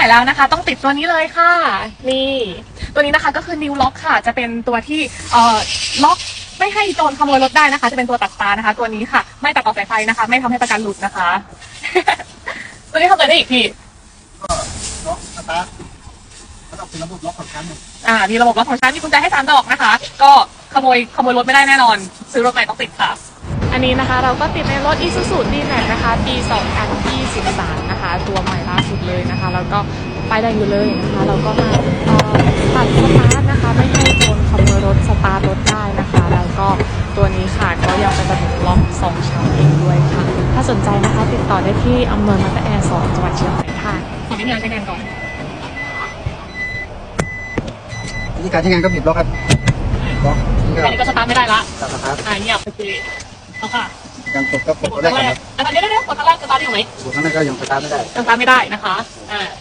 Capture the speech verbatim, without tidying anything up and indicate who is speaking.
Speaker 1: ม่แล้วนะคะต้องติดตัวนี้เลยค่ะนี่ตัวนี้นะคะก็คือ New Lock ค่ะจะเป็นตัวที่เอ่อล็อกไม่ให้โจรขโมยรถได้นะคะจะเป็นตัวตัดตานะคะตัวนี้ค่ะไม่ตัดต่อสายไฟนะคะไม่ทำให้ประกันหลุดนะคะ ตัวนี้ทำอะไรได้อีกพี่
Speaker 2: ก็ล็อกสตาร์ทแล้วก็เป็นระบบล็อกของชั้นหนึ่ง
Speaker 1: อ่ามีระบบล็อกของชั้นมีกุญแจให้สามดอกนะคะก็ขโมยขโมยรถไม่ได้แน่นอนซื้อรถใหม่ต้องติดค่ะอันนี้นะคะเราก็ติดในรถ Isuzu D-Max นะคะปีสองพันยี่สิบสามนะคะตัวใหม่ล่าสุดเลยนะคะแล้วก็ป้ายแดงอยู่เลยนะคะเราก็มาเอ่อตัดสตาร์ทนะคะไม่ให้โจรขโมยรถสตาร์ทรถได้นะคะแล้วก็ตัวนี้ค่ะก็ยังเป็นระบบล็อกสองชั้นเองด้วยค่ะถ้าสนใจนะคะติดต่อได้ที่อำเภอมาตาแอร์สองจังหวัดเชียงใหม่ค่ะขอวิธีการใช้งานก่อน
Speaker 2: วิธีการใช้งานก็บีบล็อกครับล็อกนี่ก็
Speaker 1: อันนี้ก็สตาร์ทไม่ได้ละ
Speaker 2: ตัดสตาร์ท
Speaker 1: อ่าเงียบโอเคเอาค่ะ
Speaker 2: ยังกดก็กด
Speaker 1: ก
Speaker 2: ตัว
Speaker 1: ด
Speaker 2: แร
Speaker 1: ครั้
Speaker 2: ก
Speaker 1: ง
Speaker 2: ก่
Speaker 1: แร
Speaker 2: อน
Speaker 1: ก
Speaker 2: ครับ
Speaker 1: อันนี้ได้ได้กดครั้งแรกสตาร์ทได้อยู่ไหม
Speaker 2: กดครั้งแรกก็ยังสตาร์ทไม่ได้
Speaker 1: ยังสตาร์ทไม่ได้นะคะอ่า